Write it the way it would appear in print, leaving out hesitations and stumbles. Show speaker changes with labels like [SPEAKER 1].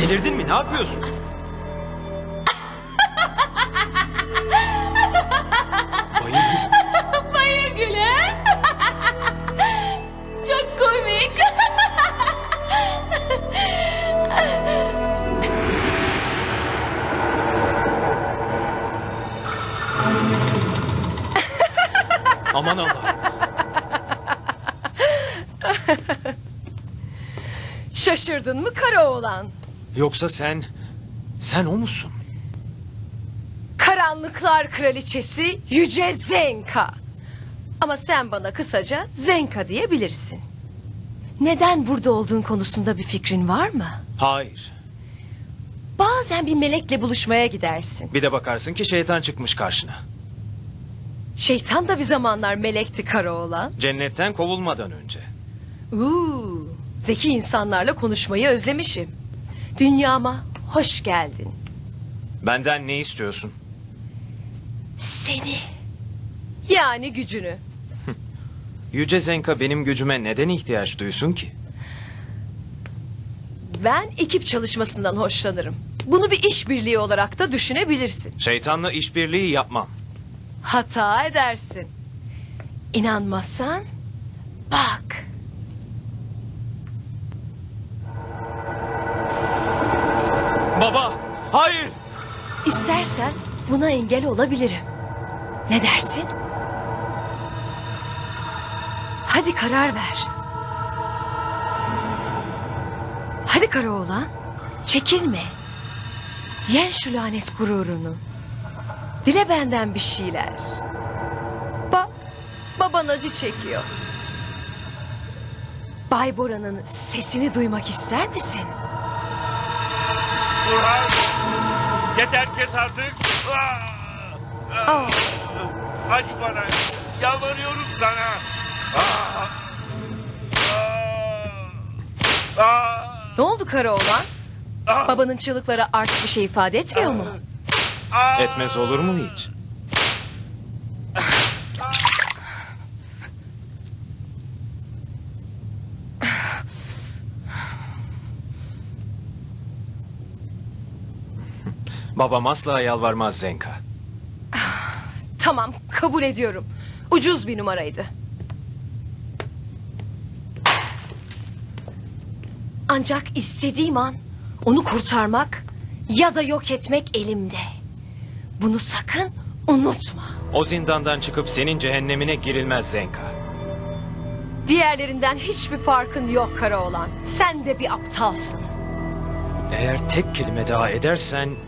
[SPEAKER 1] Delirdin mi? Ne yapıyorsun? Bayır.
[SPEAKER 2] Bayır Güle. Çok komik.
[SPEAKER 1] Aman Allah.
[SPEAKER 2] Şaşırdın mı kara oğlan?
[SPEAKER 1] Yoksa sen o musun?
[SPEAKER 2] Karanlıklar kraliçesi Yüce Zenka. Ama sen bana kısaca Zenka diyebilirsin. Neden burada olduğun konusunda bir fikrin var mı?
[SPEAKER 1] Hayır.
[SPEAKER 2] Bazen bir melekle buluşmaya gidersin.
[SPEAKER 1] Bir de bakarsın ki şeytan çıkmış karşına.
[SPEAKER 2] Şeytan da bir zamanlar melekti kara oğlan.
[SPEAKER 1] Cennetten kovulmadan önce.
[SPEAKER 2] Zeki insanlarla konuşmayı özlemişim. Dünyama hoş geldin.
[SPEAKER 1] Benden ne istiyorsun?
[SPEAKER 2] Seni. Yani gücünü.
[SPEAKER 1] Yüce Zenka benim gücüme neden ihtiyaç duysun ki?
[SPEAKER 2] Ben ekip çalışmasından hoşlanırım. Bunu bir işbirliği olarak da düşünebilirsin.
[SPEAKER 1] Şeytanla işbirliği yapmam.
[SPEAKER 2] Hata edersin. İnanmazsan bak.
[SPEAKER 1] Baba, hayır.
[SPEAKER 2] İstersen buna engel olabilirim. Ne dersin? Hadi karar ver. Hadi Karaoğlan, çekilme. Yen şu lanet gururunu. Dile benden bir şeyler. Bak, baban acı çekiyor. Bay Bora'nın sesini duymak ister misin?
[SPEAKER 3] Burhan! Yeter kes artık!
[SPEAKER 2] Aa,
[SPEAKER 3] Acı bana! Yalvarıyorum sana!
[SPEAKER 2] ne oldu Karaoğlan? Babanın çığlıkları artık bir şey ifade etmiyor mu?
[SPEAKER 1] Etmez olur mu hiç? Babam asla yalvarmaz Zenka.
[SPEAKER 2] Tamam, kabul ediyorum. Ucuz bir numaraydı. Ancak istediğim an onu kurtarmak ya da yok etmek elimde. Bunu sakın unutma.
[SPEAKER 1] O zindandan çıkıp senin cehennemine girilmez Zenka.
[SPEAKER 2] Diğerlerinden hiçbir farkın yok Karaoğlan. Sen de bir aptalsın.
[SPEAKER 1] Eğer tek kelime daha edersen